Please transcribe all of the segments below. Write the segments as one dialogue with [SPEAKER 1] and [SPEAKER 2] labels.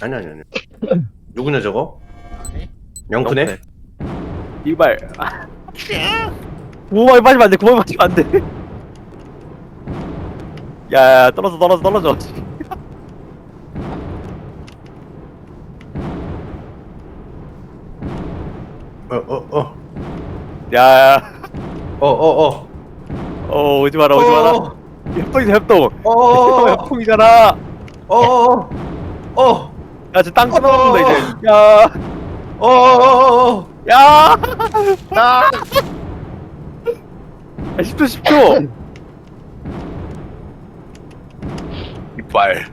[SPEAKER 1] 아니. 누구냐 저거?
[SPEAKER 2] 네?
[SPEAKER 1] 영크네?
[SPEAKER 3] 이발. 구멍에 빠지면 안 돼. 구멍에 빠지면 안 돼. 야, 떨어져. 야, 오지 마라. 협동이다, 협동. 협동이잖아. 야, 저 땅 끊어먹는다 이제. 야, 야. 10초.
[SPEAKER 4] 이빨.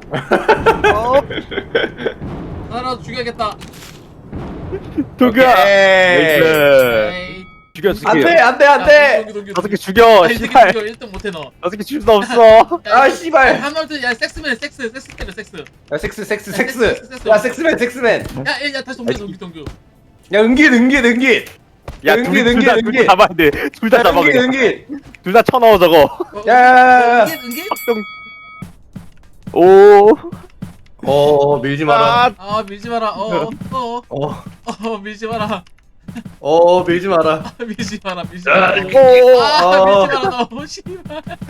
[SPEAKER 2] 하나라도 죽여야겠다.
[SPEAKER 3] 도쿄야.
[SPEAKER 1] 에이.
[SPEAKER 2] 에이.
[SPEAKER 3] 죽여.
[SPEAKER 1] 안돼.
[SPEAKER 2] 동규.
[SPEAKER 3] 다섯 개 죽여.
[SPEAKER 2] 아, 이 새끼
[SPEAKER 3] 씨발.
[SPEAKER 2] 죽여. 1등 못해 너.
[SPEAKER 3] 다섯 개 죽일 수 없어.
[SPEAKER 1] 아 씨발.
[SPEAKER 2] 한마디 야 섹스맨 섹스 때려 섹스.
[SPEAKER 1] 야 섹스. 야 섹스맨.
[SPEAKER 2] 야 다시 동규.
[SPEAKER 1] 야 은긴.
[SPEAKER 3] 야,
[SPEAKER 1] 은기.
[SPEAKER 3] 둘다 잡아야 돼. 둘 다 잡아.
[SPEAKER 1] 은긴.
[SPEAKER 3] 둘 다 쳐넣어 저거.
[SPEAKER 1] 야.
[SPEAKER 2] 은기?
[SPEAKER 3] 오.
[SPEAKER 1] 밀지 마라.
[SPEAKER 2] 아 밀지 마라. 밀지 마라.
[SPEAKER 1] 밀지 마라.
[SPEAKER 2] 밀지 마라.
[SPEAKER 3] 오.
[SPEAKER 2] 밀지 마라 너 씨발.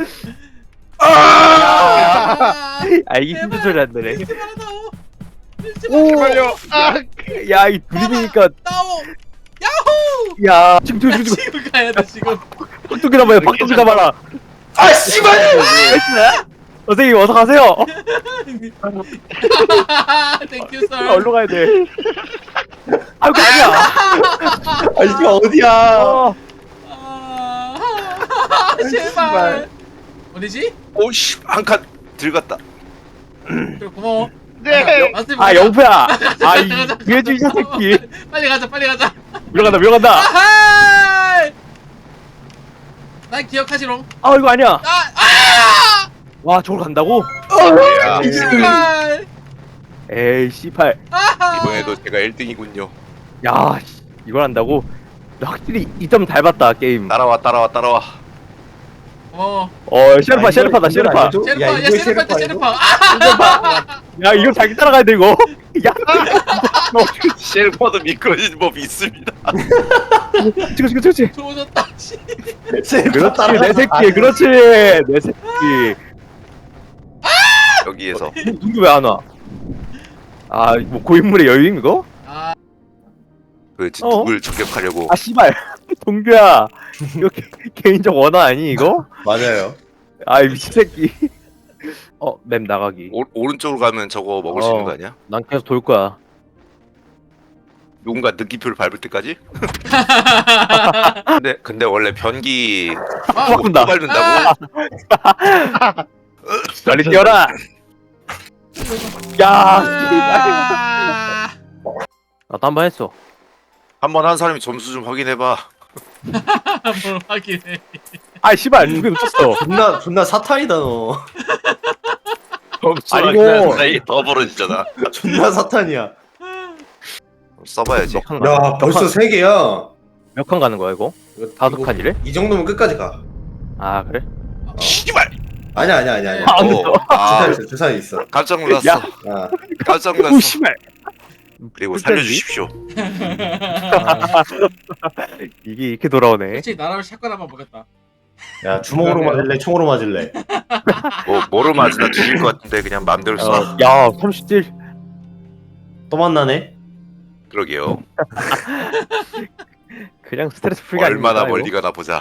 [SPEAKER 3] 아, 이게 힘든 소리 안 되네.
[SPEAKER 2] 밀지 마라 너. 밀지
[SPEAKER 3] 오.
[SPEAKER 2] 마라.
[SPEAKER 3] 야, 이 둘이니까.
[SPEAKER 2] 나오. 야호.
[SPEAKER 3] 야, 지금.
[SPEAKER 2] 지금 가야 돼 지금.
[SPEAKER 3] 박동기 잡아라.
[SPEAKER 1] 아 씨발.
[SPEAKER 3] 선생님 어서 가세요.
[SPEAKER 2] 땡큐 썰.
[SPEAKER 3] 얼로 가야 돼. 아이고 아니야.
[SPEAKER 1] 아 이게 어디야?
[SPEAKER 2] 제발. 어디지?
[SPEAKER 4] 오씨 한 칸 들어갔다.
[SPEAKER 2] 그래 고마워.
[SPEAKER 5] 네.
[SPEAKER 3] 아 영표야. 아이 위에주 이 새끼.
[SPEAKER 2] 빨리 가자.
[SPEAKER 3] 밀어간다.
[SPEAKER 2] 아하! 난 기억하지롱.
[SPEAKER 3] 아 이거 아니야.
[SPEAKER 2] 아!
[SPEAKER 3] 와 저걸 간다고?
[SPEAKER 4] 야,
[SPEAKER 2] 씨발.
[SPEAKER 3] 에이 씨발.
[SPEAKER 2] 아하!
[SPEAKER 4] 이번에도 제가 1등이군요.
[SPEAKER 3] 야 씨, 이걸 한다고? 확실히 2점 닮았다 게임.
[SPEAKER 4] 따라와.
[SPEAKER 3] 셰르파다 셰르파.
[SPEAKER 2] 셰르파. 아!
[SPEAKER 3] 야 이거 자기 따라가야 돼 이거. 야
[SPEAKER 4] 쉘퍼도 미끄러지는 법이 있습니다.
[SPEAKER 3] 그렇지.
[SPEAKER 2] 조졌다. 씨.
[SPEAKER 3] 그렇지 내 새끼. 그렇지 내 새끼.
[SPEAKER 4] 여기에서
[SPEAKER 3] 누구 왜 안 와? 아 뭐 고인물의 여유임 이거?
[SPEAKER 2] 아,
[SPEAKER 4] 그 누굴 저격하려고.
[SPEAKER 3] 아 씨발 동규야 이거 개인적 원화 아니 이거?
[SPEAKER 1] 맞아요.
[SPEAKER 3] 아이 미친 새끼. 맵 나가기.
[SPEAKER 4] 오른쪽으로 가면 저거 먹을 수 있는 거 아니야?
[SPEAKER 3] 난 계속 돌 거야.
[SPEAKER 4] 누군가 느낌표를 밟을 때까지? 근데 원래 변기
[SPEAKER 3] 바꾼다.
[SPEAKER 4] 또 밟는다고?
[SPEAKER 3] 빨리 뛰어라. 야.
[SPEAKER 2] 아.
[SPEAKER 3] 나도 한 번 했어.
[SPEAKER 4] 한번 한 사람이 점수 좀 확인해봐.
[SPEAKER 2] 뭘 확인해.
[SPEAKER 3] 아 씨발 누구 놓쳤어.
[SPEAKER 1] 존나 사탄이다 너.
[SPEAKER 4] 점수가
[SPEAKER 3] 아니고.
[SPEAKER 4] 그냥 사이 더 벌어지잖아.
[SPEAKER 1] 존나 사탄이야.
[SPEAKER 4] 써봐야지.
[SPEAKER 1] 야 벌써 3개야.
[SPEAKER 3] 몇 칸 가는 거야 이거? 다섯 칸이래?
[SPEAKER 1] 이 정도면 끝까지 가.
[SPEAKER 3] 아 그래?
[SPEAKER 4] 씨발!
[SPEAKER 1] 아니야.
[SPEAKER 3] 안 됐어.
[SPEAKER 1] 주사위 있어.
[SPEAKER 4] 깜짝 놀랐어.
[SPEAKER 3] 야.
[SPEAKER 1] 아.
[SPEAKER 4] 깜짝
[SPEAKER 3] 오
[SPEAKER 4] 놀랐어.
[SPEAKER 3] 씨발.
[SPEAKER 4] 그리고 살려주십시오.
[SPEAKER 3] 이게 이렇게 돌아오네.
[SPEAKER 2] 솔직히 나라면 샷건 한번 먹겠다.
[SPEAKER 1] 야 주먹으로 맞을래? 총으로 맞을래?
[SPEAKER 4] 뭐로 맞으나 죽일 것 같은데 그냥 맘대로 써.
[SPEAKER 3] 야 37.
[SPEAKER 1] 또 만나네?
[SPEAKER 4] 그러게요.
[SPEAKER 3] 그냥 스트레스 풀기
[SPEAKER 4] 얼마나
[SPEAKER 3] 아닙니까,
[SPEAKER 4] 멀리 가나 보자.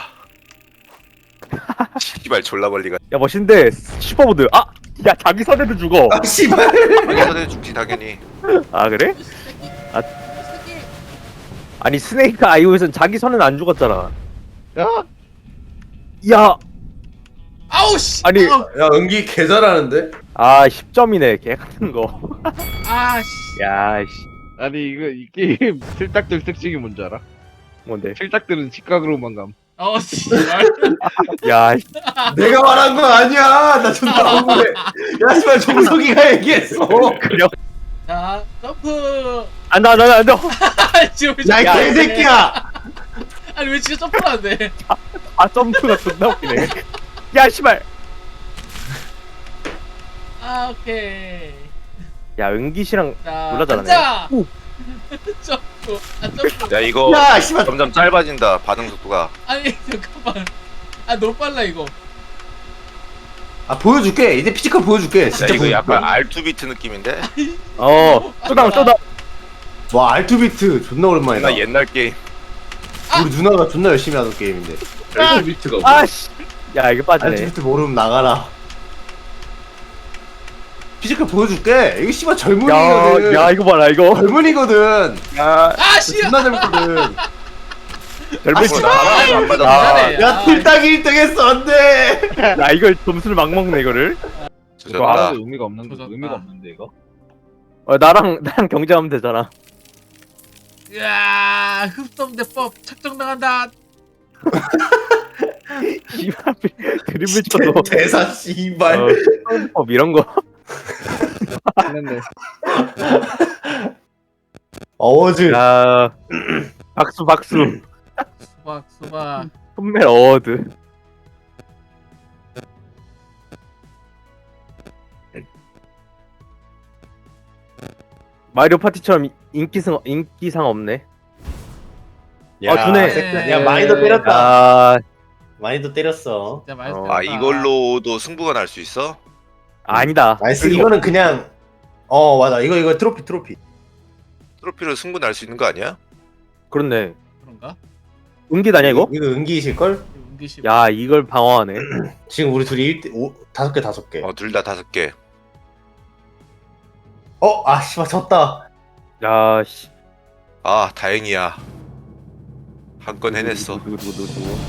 [SPEAKER 4] 씨발 졸라 멀리 가.
[SPEAKER 3] 야 멋있는데 슈퍼보드. 아! 야 자기 선에도 죽어.
[SPEAKER 1] 아 씨발.
[SPEAKER 4] 당연히 죽지 당연히.
[SPEAKER 3] 아 그래?
[SPEAKER 2] 이 새끼.
[SPEAKER 3] 아.
[SPEAKER 2] 이 새끼.
[SPEAKER 3] 아니 스네이크 아이오에선 자기 선은 안 죽었잖아.
[SPEAKER 5] 야,
[SPEAKER 3] 야!
[SPEAKER 2] 아우 씨.
[SPEAKER 3] 아니.
[SPEAKER 2] 아우.
[SPEAKER 1] 야 은기 개 잘하는데?
[SPEAKER 3] 아 10점이네 개 같은 거.
[SPEAKER 2] 아 씨.
[SPEAKER 3] 야 씨.
[SPEAKER 5] 아니 이거 이 게임 틀딱들 특징이 뭔지 알아?
[SPEAKER 3] 뭔데?
[SPEAKER 5] 틀딱들은 직각으로만 감.
[SPEAKER 2] 씨발.
[SPEAKER 3] 야 씨.
[SPEAKER 1] 내가 말한 거 아니야. 나 존나 억울해. 야 씨발 정석이가 얘기했어.
[SPEAKER 3] 그래.
[SPEAKER 2] 자 점프.
[SPEAKER 3] 안돼.
[SPEAKER 2] 지금
[SPEAKER 1] 야 이
[SPEAKER 3] 야,
[SPEAKER 1] 개새끼야.
[SPEAKER 2] 아니 왜 진짜 점프를 안 돼?
[SPEAKER 3] 아 점프가 존나 웃기네. 야 씨발.
[SPEAKER 2] 아 오케이.
[SPEAKER 3] 야 은기 씨랑
[SPEAKER 2] 자,
[SPEAKER 3] 몰라 잘하네.
[SPEAKER 2] 앉아.
[SPEAKER 3] 오.
[SPEAKER 2] 점프. 아 점프.
[SPEAKER 4] 야 이거
[SPEAKER 1] 야 씨발.
[SPEAKER 4] 점점 짧아진다 반응 속도가.
[SPEAKER 2] 아니 잠깐만. 아 너무 빨라 이거.
[SPEAKER 1] 아 보여줄게. 이제 피지컬 보여줄게.
[SPEAKER 4] 야
[SPEAKER 1] 진짜
[SPEAKER 4] 이거 약간
[SPEAKER 1] 보여줄게.
[SPEAKER 4] R2비트 느낌인데?
[SPEAKER 3] 쇼다운 쇼다운.
[SPEAKER 1] 와 R2비트 존나 오랜만이다.
[SPEAKER 4] 나 옛날 게임.
[SPEAKER 1] 우리 누나가 존나 열심히 하던 게임인데.
[SPEAKER 5] 엘리트비트가 뭐?
[SPEAKER 3] 아씨. 야 이거 빠지네.
[SPEAKER 1] R2비트 모르면 나가라. 피지컬 보여줄게. 이거 씨발 젊은이거든.
[SPEAKER 3] 야 이거 봐라 이거.
[SPEAKER 1] 젊은이거든.
[SPEAKER 3] 야
[SPEAKER 2] 아 씨.
[SPEAKER 1] 존나 젊거든.
[SPEAKER 3] 젊은
[SPEAKER 1] 씨발.
[SPEAKER 4] 나랑 안 맞아.
[SPEAKER 2] 잘해.
[SPEAKER 1] 야 틀딱이 1등 했어 안돼.
[SPEAKER 3] 야 이걸 점수를 막 먹네 이거를.
[SPEAKER 4] 조졌다.
[SPEAKER 5] 말하는 의미가 없는
[SPEAKER 2] 조졌다.
[SPEAKER 5] 의미가 없는데 이거.
[SPEAKER 3] 나랑 경쟁하면 되잖아.
[SPEAKER 2] 야 흡성대법 착정당한다.
[SPEAKER 3] 씨발 드리블 쳐도
[SPEAKER 1] 대사 씨발.
[SPEAKER 3] 이런 거.
[SPEAKER 5] 했는데
[SPEAKER 1] 어워즈.
[SPEAKER 3] 야 박수 박수.
[SPEAKER 2] 수박.
[SPEAKER 3] 손멜 어워드. 마리오 파티처럼 인기상 없네.
[SPEAKER 1] 야,
[SPEAKER 3] 주네.
[SPEAKER 1] 섹스- 야 많이도 때렸다.
[SPEAKER 3] 아
[SPEAKER 1] 많이도 때렸어.
[SPEAKER 2] 진짜 맛있다.
[SPEAKER 4] 아 이걸로도 승부가 날 수 있어?
[SPEAKER 3] 아니다.
[SPEAKER 1] 나이스. 이거는 그냥 맞아. 이거 트로피.
[SPEAKER 4] 트로피로 승부 날 수 있는 거 아니야?
[SPEAKER 3] 그렇네.
[SPEAKER 2] 그런가?
[SPEAKER 3] 은기다냐 이거?
[SPEAKER 1] 이거 은기이실 걸?
[SPEAKER 2] 은기씨.
[SPEAKER 3] 야 이걸 방어하네.
[SPEAKER 1] 지금 우리 둘이 5개 5개.
[SPEAKER 4] 둘 다 5개.
[SPEAKER 1] 아 씨발 졌다.
[SPEAKER 3] 야 씨.
[SPEAKER 4] 아 다행이야. 한 건 해냈어.
[SPEAKER 3] 누구.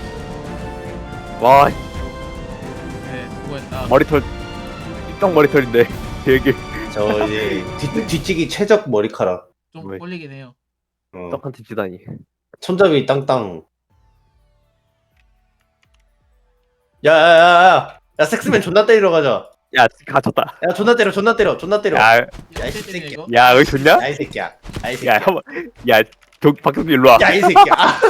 [SPEAKER 3] 와
[SPEAKER 2] 네 수고했다.
[SPEAKER 3] 머리털 삐쩍 머리털인데 되게
[SPEAKER 1] 저 이제 뒤치기 최적 머리카락.
[SPEAKER 2] 좀
[SPEAKER 3] 왜?
[SPEAKER 2] 꼴리긴 해요.
[SPEAKER 3] 떡한 tip지다니.
[SPEAKER 1] 손잡이 땅땅. 야야야야. 야 섹스맨 존나 때리러 가자.
[SPEAKER 3] 야 갇혔다.
[SPEAKER 1] 야 존나 때려.
[SPEAKER 3] 야,
[SPEAKER 1] 이
[SPEAKER 2] 이
[SPEAKER 1] 새끼야.
[SPEAKER 2] 이거?
[SPEAKER 3] 야 여기 좋냐?
[SPEAKER 1] 야이 새끼야. 야이
[SPEAKER 3] 야
[SPEAKER 1] 새끼야.
[SPEAKER 3] 한번 야 박경수 일로 와.
[SPEAKER 1] 야이 새끼야. 아,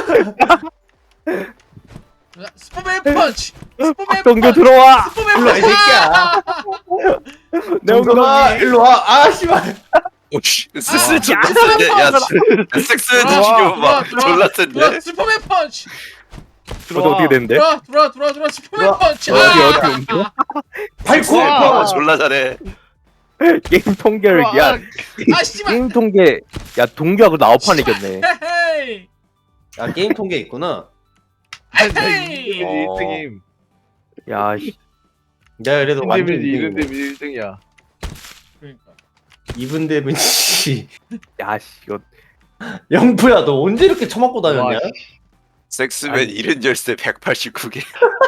[SPEAKER 2] 슈퍼맨 펀치. 슈퍼맨
[SPEAKER 3] 박동규
[SPEAKER 2] 펀치.
[SPEAKER 3] 들어와.
[SPEAKER 2] 슈퍼맨
[SPEAKER 1] 일로 와 이
[SPEAKER 2] 펀치.
[SPEAKER 1] 새끼야.
[SPEAKER 3] 내
[SPEAKER 1] 정성아
[SPEAKER 3] 엉덩이.
[SPEAKER 1] 일로 와. 아 씨발.
[SPEAKER 4] 오씨 섹스 존나 센데? 야 섹스
[SPEAKER 2] 들어와,
[SPEAKER 4] 지금 막 졸라 센데?
[SPEAKER 2] 슈퍼맨 펀치.
[SPEAKER 3] 저도 어떻게 되는데?
[SPEAKER 2] 들어와 슈퍼맨 펀치.
[SPEAKER 3] 어떻게 옮겨?
[SPEAKER 1] 발코.
[SPEAKER 4] 아 졸라 잘해.
[SPEAKER 3] 게임 통계를 야
[SPEAKER 2] 아 씨발.
[SPEAKER 3] 게임 통계 야 동규하고 나 9판 이겼네.
[SPEAKER 2] 헤헤이.
[SPEAKER 1] 아 게임 통계 있구나.
[SPEAKER 2] 헤헤이.
[SPEAKER 5] 1등임.
[SPEAKER 3] 야 씨.
[SPEAKER 1] 야 그래도 완전
[SPEAKER 5] 이런
[SPEAKER 1] 2등이네.
[SPEAKER 5] 데면 1등이야.
[SPEAKER 2] 그러니까.
[SPEAKER 1] 이분 대분 씨.
[SPEAKER 3] 야 씨 이거
[SPEAKER 1] 영프야 너 언제 이렇게 처맞고 다녔냐?
[SPEAKER 4] 섹스맨 70열쇠 189개.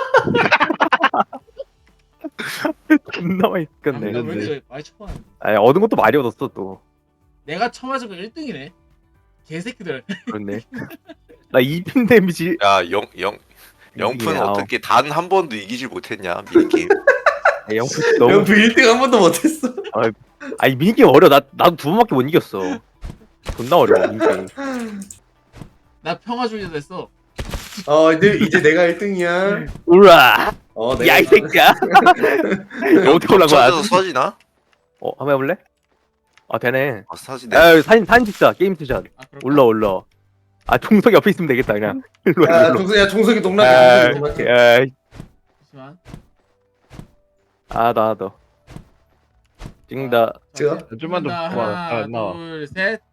[SPEAKER 3] 존나 많이
[SPEAKER 2] 아,
[SPEAKER 3] 이겼네.
[SPEAKER 2] 왜 이렇게 많이 쳐봤는데.
[SPEAKER 3] 아 얻은 것도 많이 얻었어 또.
[SPEAKER 2] 내가 쳐맞은 거 1등이네. 개새끼들.
[SPEAKER 3] 그렇네. 나 2핀 데미지.
[SPEAKER 4] 야 영프는
[SPEAKER 3] 아우.
[SPEAKER 4] 어떻게 단 한 번도 이기질 못했냐 미니게임.
[SPEAKER 3] 야, 영프 너무.
[SPEAKER 1] 영프 1등 한 번도 못했어.
[SPEAKER 3] 아니 미니게임 어려. 나도 2번밖에 못 이겼어. 존나 어려워 미니게임.
[SPEAKER 2] 나 평화주의자 됐어.
[SPEAKER 1] 이제 내가 1등이야.
[SPEAKER 3] 우라.
[SPEAKER 1] 내가
[SPEAKER 3] 야 이 새끼야. 어떻게 올라간 거야?
[SPEAKER 4] 쳐져서 서지나?
[SPEAKER 3] 한번 해볼래? 아 되네.
[SPEAKER 4] 서지네.
[SPEAKER 3] 야 사진 찍자. 게임 투샷.
[SPEAKER 2] 아, 그럴까?
[SPEAKER 3] 올라. 아 종석이 옆에 있으면 되겠다 그냥. 일로 와, 일로.
[SPEAKER 1] 종석이
[SPEAKER 3] 아,
[SPEAKER 1] 동락해. 종석이 동락해.
[SPEAKER 3] 야,
[SPEAKER 2] 잠시만.
[SPEAKER 3] 나도. 찍는다.
[SPEAKER 1] 찍어?
[SPEAKER 2] 자,
[SPEAKER 5] 좀만 더
[SPEAKER 2] 하나,
[SPEAKER 5] 봐봐. 나와.
[SPEAKER 2] 둘, 셋.